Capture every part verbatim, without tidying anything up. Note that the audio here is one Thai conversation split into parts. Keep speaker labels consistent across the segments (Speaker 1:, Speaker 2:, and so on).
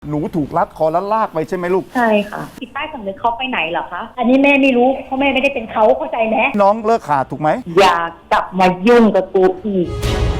Speaker 1: หนูถูกลัดคอแล้วลากไปใช่ไหมลูก
Speaker 2: ใช่ค่ะจิตใต้สำนึกเขาไปไหนเหรอคะอันนี้แม่ไม่รู้เพราะแม่ไม่ได้เป็นเขาเข้าใจไหม
Speaker 1: น้องเลิกขาดถูกไหม
Speaker 2: อย่ากลับมายุ่งกับกูอีก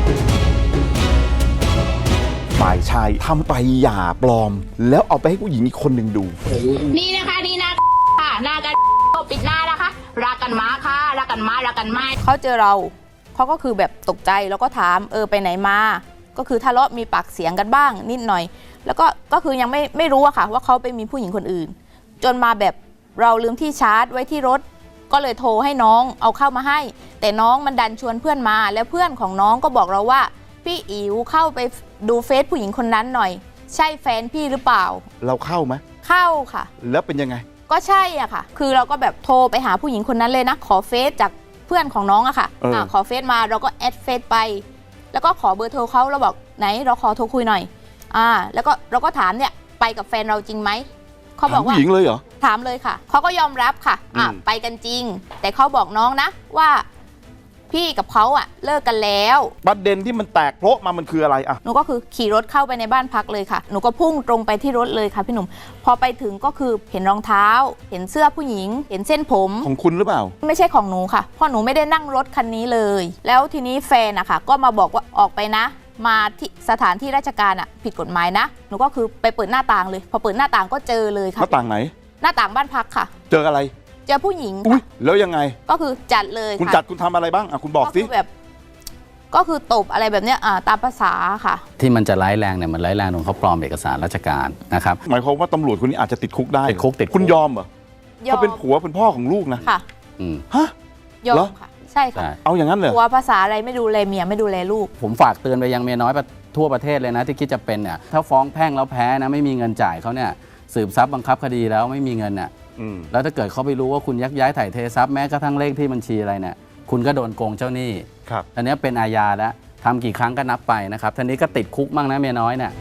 Speaker 1: ฝ่ายชายทำไปหย่าปลอมแล้วเอาไปให้ผู้หญิงอีกคนหนึ่งดู
Speaker 3: นี่นะคะนี่นะค่ะหน้ากันปิดหน้านะคะรักกันมาค่ะรักกันมารักกันไม่
Speaker 4: เขาเจอเราเขาก็คือแบบตกใจแล้วก็ถามเออไปไหนมาก็คือทะเลาะมีปากเสียงกันบ้างนิดหน่อยแล้วก็ก็คือยังไม่ไม่รู้อะค่ะว่าเขาไปมีผู้หญิงคนอื่นจนมาแบบเราลืมที่ชาร์จไว้ที่รถก็เลยโทรให้น้องเอาเข้ามาให้แต่น้องมันดันชวนเพื่อนมาแล้วเพื่อนของน้องก็บอกเราว่าพี่อิ๋วเข้าไปดูเฟซผู้หญิงคนนั้นหน่อยใช่แฟนพี่หรือเปล่า
Speaker 1: เราเข้าไหม
Speaker 4: เข้าค่ะ
Speaker 1: แล้วเป็นยังไง
Speaker 4: ก็ใช่อ่ะค่ะคือเราก็แบบโทรไปหาผู้หญิงคนนั้นเลยนะขอเฟซจากเพื่อนของน้องอะค่ะอ่าขอเฟซมาเราก็แอดเฟซไปแล้วก็ขอเบอร์โทรเขาเราบอกไหนเราขอโทรคุยหน่อยอ่าแล้วก็เราก็ถามเนี่ยไปกับแฟนเราจริงไหมเขาบอกว่า
Speaker 1: ผู้หญิงเลยเหรอ
Speaker 4: ถามเลยค่ะเขาก็ยอมรับค่ะอ่าไปกันจริงแต่เขาบอกน้องนะว่าพี่กับเขาอะเลิกกันแล้ว
Speaker 1: ประเด็นที่มันแตกโพะมามันคืออะไรอะ
Speaker 4: หนูก็คือขี่รถเข้าไปในบ้านพักเลยค่ะหนูก็พุ่งตรงไปที่รถเลยค่ะพี่หนุ่มพอไปถึงก็คือเห็นรองเท้าเห็นเสื้อผู้หญิงเห็นเส้นผม
Speaker 1: ของคุณหรือเปล่า
Speaker 4: ไม่ใช่ของหนูค่ะเพราะหนูไม่ได้นั่งรถคันนี้เลยแล้วทีนี้แฟนอะค่ะก็มาบอกว่าออกไปนะมาที่สถานที่ราชการอะผิดกฎหมายนะหนูก็คือไปเปิดหน้าต่างเลยพอเปิดหน้าต่างก็เจอเลยค่ะ
Speaker 1: หน้าต่างไหน
Speaker 4: หน้าต่างบ้านพักค่ะ
Speaker 1: เจออะไร
Speaker 4: เจอผู้หญิง
Speaker 1: อุ้ยแล้วยังไง
Speaker 4: ก็คือจัดเลย
Speaker 1: คุณจัดคุณทำอะไรบ้างอ่ะคุณบอกสิ
Speaker 4: แบบก็คือตบอะไรแบบเนี้ยตามภาษาค่ะ
Speaker 5: ที่มันจะร้ายแรงเนี่ยมันร้ายแรงตรงเขาปลอมเอกสารราชการนะครับ
Speaker 1: หมายความว่าตำรวจคนนี้อาจจะติดคุกได้
Speaker 5: ติดคุกติด
Speaker 1: คุณยอมเหรอเขาเป็นผัวเป็นพ่อของลูกนะ
Speaker 4: ค่ะ
Speaker 1: ฮะ
Speaker 4: ยอมค่ะใช่ค่ะ
Speaker 1: เอาอย่างนั้นเลย
Speaker 4: ผัวภาษาอะไรไม่ดูแลเมียไม่ดูแลลูก
Speaker 5: ผมฝากเตือนไปยังเมียน้อยทั่วประเทศเลยนะที่คิดจะเป็นเนี่ยถ้าฟ้องแพ่งแล้วแพ้นะไม่มีเงินจ่ายเขาเนี่ยสืบทรัพย์บังคับคดีแล้วไม่มีเงินน่ะแล้วถ้าเกิดเขาไปรู้ว่าคุณยักย้ายถ่ายเททรัพย์แม้กระทั่งเลขที่บัญชีอะไรเนี่ยคุณก็โดนโกงเจ้าหนี้
Speaker 1: ครับ
Speaker 5: อันนี้เป็นอาญาแล้วทำกี่ครั้งก็นับไปนะครับทีนี้ก็ติดคุกมั่งนะเมียน้อยเนี่ย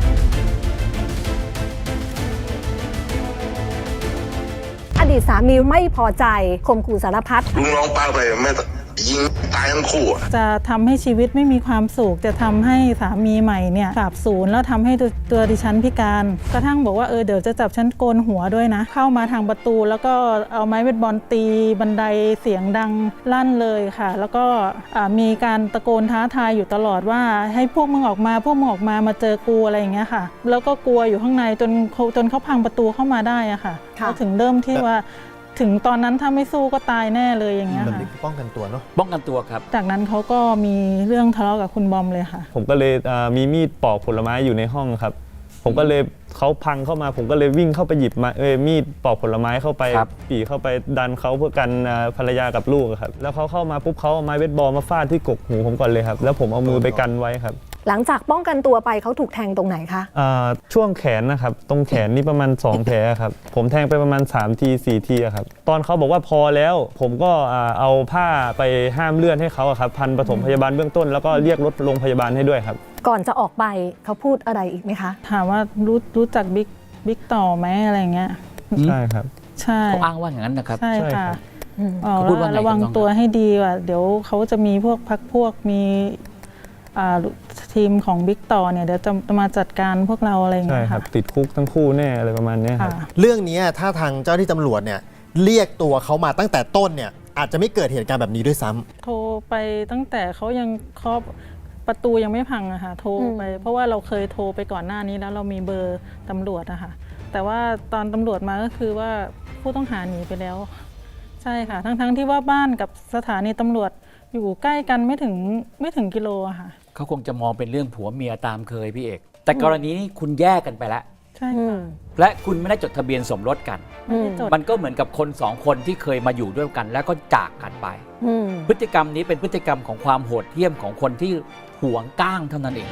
Speaker 6: อดีตสามีไม่พอใจข่มขู่สารพัด
Speaker 7: ลุงน้องป้าไปแม่ยิงตายทั้งคู่
Speaker 8: จะทำให้ชีวิตไม่มีความสุขจะทำให้สามีใหม่เนี่ยสาบสูญแล้วทำให้ตัวดิฉันพิการกระทั่งบอกว่าเออเดี๋ยวจะจับฉันโกนหัวด้วยนะเข้ามาทางประตูแล้วก็เอาไม้เบสบอลตีบันไดเสียงดังลั่นเลยค่ะแล้วก็มีการตะโกนท้าทายอยู่ตลอดว่าให้พวกมึงออกมาพวกมึงออกมามาเจอกูอะไรอย่างเงี้ยค่ะแล้วก็กลัวอยู่ข้างในจนจนเขาพังประตูเข้ามาได้อะค่ะเขาถึงเริ่มที่ว่าถึงตอนนั้นถ้าไม่สู้ก็ตายแน่เลยอย่างเงี้ยค่ะ
Speaker 9: ป้องกันตัวเนาะ
Speaker 5: ป้องกันตัวครับ
Speaker 8: จากนั้นเขาก็มีเรื่องทะเลาะกับคุณบอมเลยค่ะ
Speaker 9: ผมก็เลยมีมีดปอกผลไม้อยู่ในห้องครับผมก็เลยเขาพังเข้ามาผมก็เลยวิ่งเข้าไปหยิบมาเอ้ยมีดปอกผลไม้เข้าไปปี่เข้าไปดันเขาเพื่อกันภรรยากับลูกครับแล้วเขาเข้ามาปุ๊บเขาเอาไม้เบสบอลมาฟาดที่กกหูผมก่อนเลยครับแล้วผมเอามือไปกันไว้ครับ
Speaker 6: หลังจากป้องกันตัวไปเขาถูกแทงตรงไหนคะ
Speaker 9: ช่วงแขนนะครับตรงแขนนี่ประมาณสองแผลครับผมแทงไปประมาณสามทีสี่ทีครับตอนเขาบอกว่าพอแล้วผมก็เอาผ้าไปห้ามเลือดให้เขาครับพันปฐมพยาบาลเบื้องต้นแล้วก็เรียกรถโรงพยาบาลให้ด้วยครับ
Speaker 6: ก่อนจะออกไปเขาพูดอะไรอีกไหมคะ
Speaker 8: ถามว่ารู้รู้จักบิ๊กบิ๊กต่อไหมอะไรเงี้ย
Speaker 9: ใช่ครับ
Speaker 8: ใช่
Speaker 5: เขาอ้างว่าอย่างนั้นนะครับ
Speaker 8: ใช่ค่ะระวังตัวให้ดีว่าเดี๋ยวเขาจะมีพวกพักพวกมีทีมของบิ๊กต่อเนี่ยเดี๋ยวจะมาจัดการพวกเราอะไรอย่างเงี้ยค่ะ
Speaker 9: ติดคุกทั้งคู่แน่อะไรประมาณนี้ครับ
Speaker 10: เรื่องนี้ถ้าทางเจ้าที่ตำรวจเนี่ยเรียกตัวเขามาตั้งแต่ต้นเนี่ยอาจจะไม่เกิดเหตุการณ์แบบนี้ด้วยซ้ำ
Speaker 8: โทรไปตั้งแต่เขายังเคาะประตูยังไม่พังอะค่ะโทรไปเพราะว่าเราเคยโทรไปก่อนหน้านี้แล้วเรามีเบอร์ตำรวจอะค่ะแต่ว่าตอนตำรวจมาก็คือว่าผู้ต้องหาหนีไปแล้วใช่ค่ะทั้งๆที่ว่าบ้านกับสถานีตำรวจอยู่ใกล้กันไม่ถึงไม่ถึงกิโลอะค่ะ
Speaker 11: เขาคงจะมองเป็นเรื่องผัวเมียตามเคยพี่เอกแต่กรณีนี้คุณแยกกันไปแล้ว
Speaker 8: ใช่ค่ะ
Speaker 11: และคุณไม่ได้จดทะเบียนสมรสกันมันก็เหมือนกับคนสองคนที่เคยมาอยู่ด้วยกันแล้วก็จากกันไปพฤติกรรมนี้เป็นพฤติกรรมของความโหดเหี้ยมของคนที่หวงก้างเท่านั้นเอง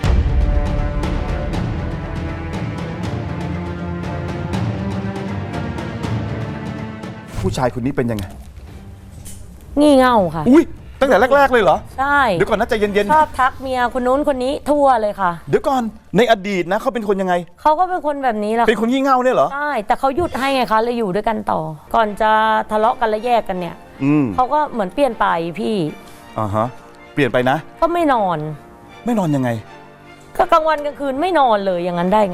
Speaker 1: ผู้ชายคนนี้เป็นยังไง
Speaker 12: งี่เง่าค่ะ
Speaker 1: อุ้ยตั้งแต่แรกๆเลยเหรอ
Speaker 12: ใช่
Speaker 1: เดี๋ยวก่อนนะใจเย็น
Speaker 12: ๆชอบทักเมียคนนู้นคนนี้ทั่วเลยค่ะ
Speaker 1: เดี๋ยวก่อนในอดีตนะเขาเป็นคนยังไง
Speaker 12: เขาก็เป็นคนแบบนี้แหละ
Speaker 1: เป็นคนงี่เง่าเนี่ยเหรอ
Speaker 12: ใช่แต่เขาหยุดให้ไงคะเลยอยู่ด้วยกันต่อก่อนจะทะเลาะกันและแยกกันเนี่ยเขาก็เหมือนเปลี่ยนไปพี่
Speaker 1: อ่าฮะเปลี่ยนไปนะ
Speaker 12: ก็ไม่นอน
Speaker 1: ไม่นอนยังไง
Speaker 12: ก็กลางวันกลางคืนไม่นอนเลยอย่างนั้นได้ไงอะ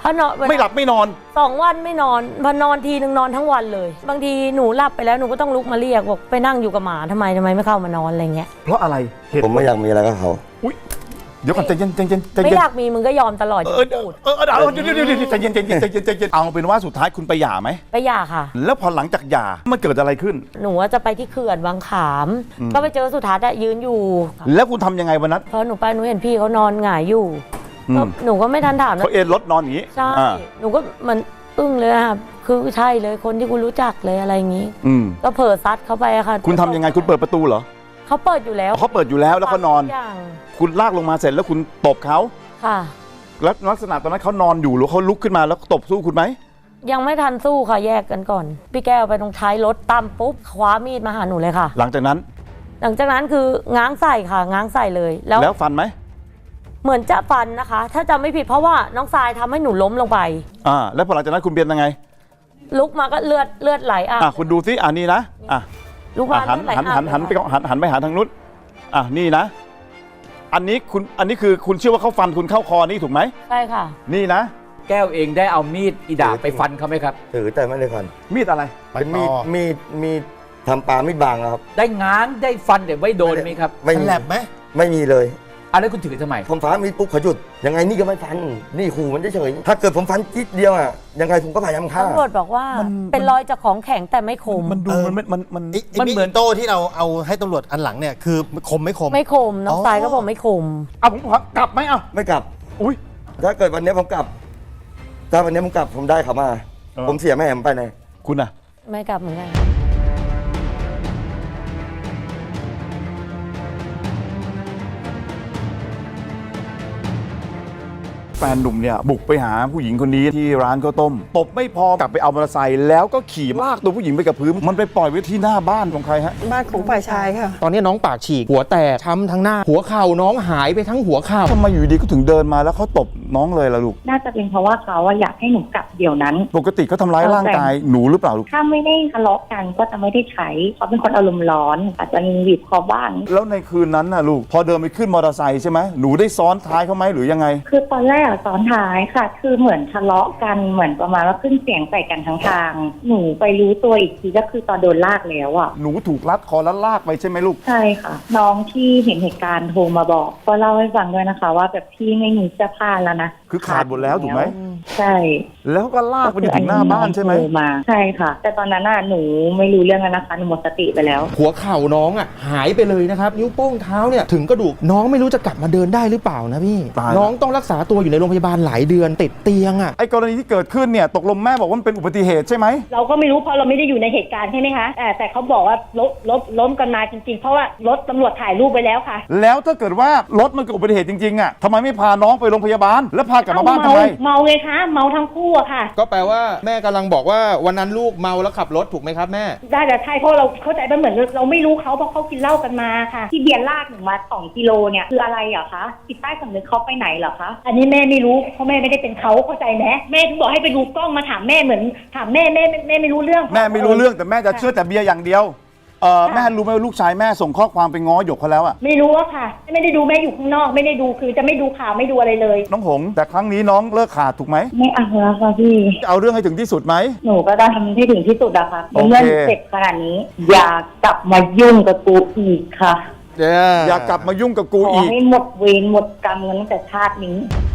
Speaker 12: เพราะนอน
Speaker 1: ไม่หลับไม่นอน
Speaker 12: สองวันไม่นอนพอนอนทีนึงนอนทั้งวันเลย บางทีหนูหลับไปแล้วหนูก็ต้องลุกมาเรียกบอกไปนั่งอยู่กับหมาทำไมทำไมไม่เข้ามานอนอะไรเงี้ย
Speaker 1: เพราะอะไรเหตุ
Speaker 13: ผมไม่อยากมีอะไรกับเขา
Speaker 1: เดี๋ยวก่อนใจเย็นใจเย็นใจ
Speaker 12: ไม่
Speaker 1: เย็น
Speaker 12: อยากมีมึงก็ยอมตลอด
Speaker 1: เออเออเออเออเดี๋ยวเดี๋ยวเดี๋ยวใจเย็นใจเย็นใจเย็นใจเย็นเอาเป็นว่าสุดท้ายคุณไปหย่าไหม
Speaker 12: ไปหย่าค่ะ
Speaker 1: แล้วพอหลังจากหย่ามันเกิดอะไรขึ้น
Speaker 12: หนูว่าจะไปที่เขื่อนบางขาม
Speaker 1: อืม
Speaker 12: ก็ไปเจอสุทัศน์อะยืนอยู่
Speaker 1: แล้วคุณทำยังไงวันนั้น
Speaker 12: พอหนูไปหนูเห็นพี่เขานอนหงายอยู่
Speaker 1: อืม
Speaker 12: ก็หนูก็ไม่ทันถาม
Speaker 1: เขาเอนรถนอนอย่างนี้
Speaker 12: ใช่
Speaker 1: อ่า
Speaker 12: หนูก็มันอึ้งเลยค่ะคือใช่เลยคนที่กูรู้จักเลยอะไรอย่างงี้
Speaker 1: อืม
Speaker 12: ก็เผลอซัดเข้าไปอะค่ะ
Speaker 1: คุณทำยังไงคุณเปิดประตูเหรอ
Speaker 12: เขาเปิดอยู่แล้ว
Speaker 1: เขาเปิดอยู่แล้วแล้วเขานอน
Speaker 12: ทุกอย่าง
Speaker 1: คุณลากลงมาเสร็จแล้วคุณตบเขา
Speaker 12: ค่ะ
Speaker 1: แล้วลักษณะตอนนั้นเขานอนอยู่หรือเขาลุกขึ้นมาแล้วตบสู้คุณไหม
Speaker 12: ยังไม่ทันสู้ค่ะแยกกันก่อน พี่แก้วไปตรงท้ายรถตามปุ๊บคว้ามีดมาหาหนูเลยค่ะ
Speaker 1: หลังจากนั้น
Speaker 12: หลังจากนั้นคือง้างใส่ค่ะ ง้างใส่เลยแล้ว
Speaker 1: แล้วฟันไหม
Speaker 12: เหมือนจะฟันนะคะ ถ้าจำไม่ผิดเพราะว่าน้องทรายทำให้หนูล้มลงไป
Speaker 1: อ่าแล้วพอหลังจากนั้นคุณเบียนยังไง
Speaker 12: ลุกมาก็เลือดเลือดไหลอ่ะ
Speaker 1: อ่ะคุณดูซิอ่านี่นะอ่ะ
Speaker 12: ลุก
Speaker 1: อ่ะ
Speaker 12: มา
Speaker 1: หัน
Speaker 12: เลือดไหล
Speaker 1: หัน
Speaker 12: อา
Speaker 1: หันหันไปหันหันไปหาทางนู้นอ่ะนี่นะ อันนี้คุณอันนี้คือคุณเชื่อว่าเขาฟันคุณเข้าคอนี่ถูกไหม
Speaker 12: ใช่ค่ะ
Speaker 1: นี่นะ
Speaker 11: แก้วเองได้เอามีดอีดาบไปฟันเขาไหมครับ
Speaker 13: ถือแต่ไม่ได้ฟัน
Speaker 1: มีดอะไร
Speaker 13: เป็นมีดมีดมีดทำปลามีดบางอะครับ
Speaker 11: ได้ง้างได้ฟันแต่ไม่โดนไหมครับ
Speaker 13: ไม่มี
Speaker 10: แหลบไหม
Speaker 13: ไม่มีเลย
Speaker 11: อ่ะแล้วคุณถือทำไม
Speaker 13: ผมฟ้ามีดปุ๊บเขาหยุดยังไงนี่ก็ไม่ฟันนี่ขู่มันเฉยๆถ้าเกิดผมฟันจิ๊ดเดียวอะยังไงผมก็พยายามฆ่า
Speaker 12: ตำรวจบอกว่าเป็นรอยจากของแข็งแต่ไม่คม
Speaker 1: มันดูมันมันมัน
Speaker 10: ไอ้ไอ้มีดโต้ที่เราเอาให้ตำรวจอันหลังเนี่ยคือคมไม่คม
Speaker 12: ไม่คมน้องทรายก็บอกไม่คม
Speaker 1: เอาผมขอกลับไหมเอา
Speaker 13: ไม่กลับ
Speaker 1: อุ้ย
Speaker 13: ถ้าเกิดวันนี้ผมกลับ ถ้าวันนี้ผมกลับผมได้เขามา
Speaker 1: เออ
Speaker 13: ผมเสียแม่ผมไปไหน
Speaker 1: คุณอะ
Speaker 12: ไม่กลับเหมือนกัน
Speaker 1: แฟนหนุ่มเนี่ยบุกไปหาผู้หญิงคนนี้ที่ร้านข้าวต้มตบไม่พอกลับไปเอามอเตอร์ไซค์แล้วก็ขี่ลากตัวผู้หญิงไปกับพื้นมันไปปล่อยไว้ที่หน้าบ้านของใครฮะ
Speaker 14: บ้านของฝ่ายชายค่ะ
Speaker 10: ตอนนี้น้องปากฉีกหัวแตกช้ำทั้งหน้า หัวเข่าน้องหายไปทั้งหัวเข่า
Speaker 1: ทำไมอยู่ดีก็ถึงเดินมาแล้วเขาตบน้องเลยล่ะลูก
Speaker 2: น่าจะเป็นเพราะว่าเขาอะอยากให้หนูกลับเดี๋ยวนั้น
Speaker 1: ปกติเขาทำร้ายร่างกายหนูหรือเปล่าลูก
Speaker 2: ถ้าไม่ได้ทะเลาะกันก็จะไม่ได้ใช้เขาเป็นคนอารมณ์ร้อนอาจจะมีบีบคอบ้าง
Speaker 1: แล้วในคืนนั้นน่ะลูกพอเดินไปขึ้นมอเตอร์ไซค์ใช่ไหมหนูได้ซ้อนท้ายเขาไหมหรือยังไง
Speaker 2: คือตอนแรกอะซ้อนท้ายค่ะ คือเหมือนทะเลาะกันเหมือนประมาณว่าขึ้นเสียงใส่กันทั้งทาง หนูไปรู้ตัวอีกทีก็คือตอนโดนลากแล้วอะ
Speaker 1: หนูถูกรัดคอแล้วลากไปใช่ไหมลูก
Speaker 2: ใช่ค่ะ น้องที่เห็นเหตุการณ์โทรมาบอก ก็เล่าให้ฟังด้วยนะคะ ว่าแบบพี่ไม่มีเสื้อผ้าแล้วนะ
Speaker 1: คือขาดหมดแล้วถูกไหม
Speaker 2: ใช่
Speaker 1: แล้วก็ลากไปถึงหน้าบ้านใช่ไหม
Speaker 2: โทรมาใช่ค่ะ แต่ตอนนั้นน่ะหนูไม่รู้เรื่องแล้วนะคะหนูหมดสติไปแล้ว
Speaker 10: หัวเข่าน้องอ่ะหายไปเลยนะครับ นิ้วโป้งเท้าเนี่ยถึงกระดูกน้องไม่รู้จะกลับมาเดินได้หรือเปล่านะพี่
Speaker 1: ตาย
Speaker 10: น้องต้องรักษาตัวอยู่ในโรงพยาบาลหลายเดือนติดเตียงอ่ะ
Speaker 1: ไอ้กรณีที่เกิดขึ้นเนี่ยตกลงแม่บอกว่ามันเป็นอุบัติเหตุใช่ไหม
Speaker 2: เราก็ไม่รู้เพราะเราไม่ได้อยู่ในเหตุการณ์ใช่ไหมคะแต่แต่เขาบอกว่าล้มล้มล้มกันมาจริงๆเพราะว่ารถตำรวจถ่ายรูปไปแล้วค่ะ
Speaker 1: แล้วถ้าเกิดว่ารถมันเกิดอุบัติเหตุจริงๆอ่ะทำไมไม่พาน้องไปโรงพยาบาลแล้วพากลับมาบ้านทำไม
Speaker 2: เมาไงคะเมาทั้งคู่อะค่ะ
Speaker 10: ก็แปลว่าแม่กำลังบอกว่าวันนั้นลูกเมาแล้วขับรถถูกไหมครับแม่
Speaker 2: ได้แต่ใช่เพราะเราเข้าใจมันเหมือนเราไม่รู้เขาเพราะเขากินเหล้ากันมาค่ะที่เบียร์ลากหนูมาสองกิโลเนี่ยคืออะไรเหรอคะจิตใต้สำนึกเขาไปไหนเหรอคะอันนี้แม่ไม่รู้เพราะแม่ไม่ได้เป็นเขาเข้าใจไหมแม่ถึงบอกให้ไปดูกล้องมาถามแม่เหมือนถามแม่แม่แม่แม่ไม่รู้เรื่อง
Speaker 1: แม่ไม่รู้เรื่องแต่แม่จะเชื่อแต่เบียร์อย่างเดียวเออแม่รู้ไหมว่าลูกชายแม่ส่งข้อความไปง้อหยกเขาแล้วอ่ะ
Speaker 2: ไม่รู้อะค่ะไม่ได้ดูแม่อยู่ข้างนอกไม่ได้ดูคือจะไม่ดูข่าวไม่ดูอะไรเลย
Speaker 1: น้องหงแต่ครั้งนี้น้องเลิกขาดถูกไหม
Speaker 2: ไม่เอาแล้วค่ะพี่
Speaker 1: จะเอาเรื่องให้ถึงที่สุดไหม
Speaker 2: หนูก็ต้องทำให้ถึงที่สุดอะค่ะ
Speaker 1: โอเค
Speaker 2: เมื่อเสร็จขนาดนี้ อย่ากลับมายุ่งกับกูอีกค่ะ
Speaker 1: อย่ากลับมายุ่งกับกู
Speaker 2: ขอ
Speaker 1: อีก
Speaker 2: ให้หมดเวรหมดกรรมกันตั้งแต่ชาตินี้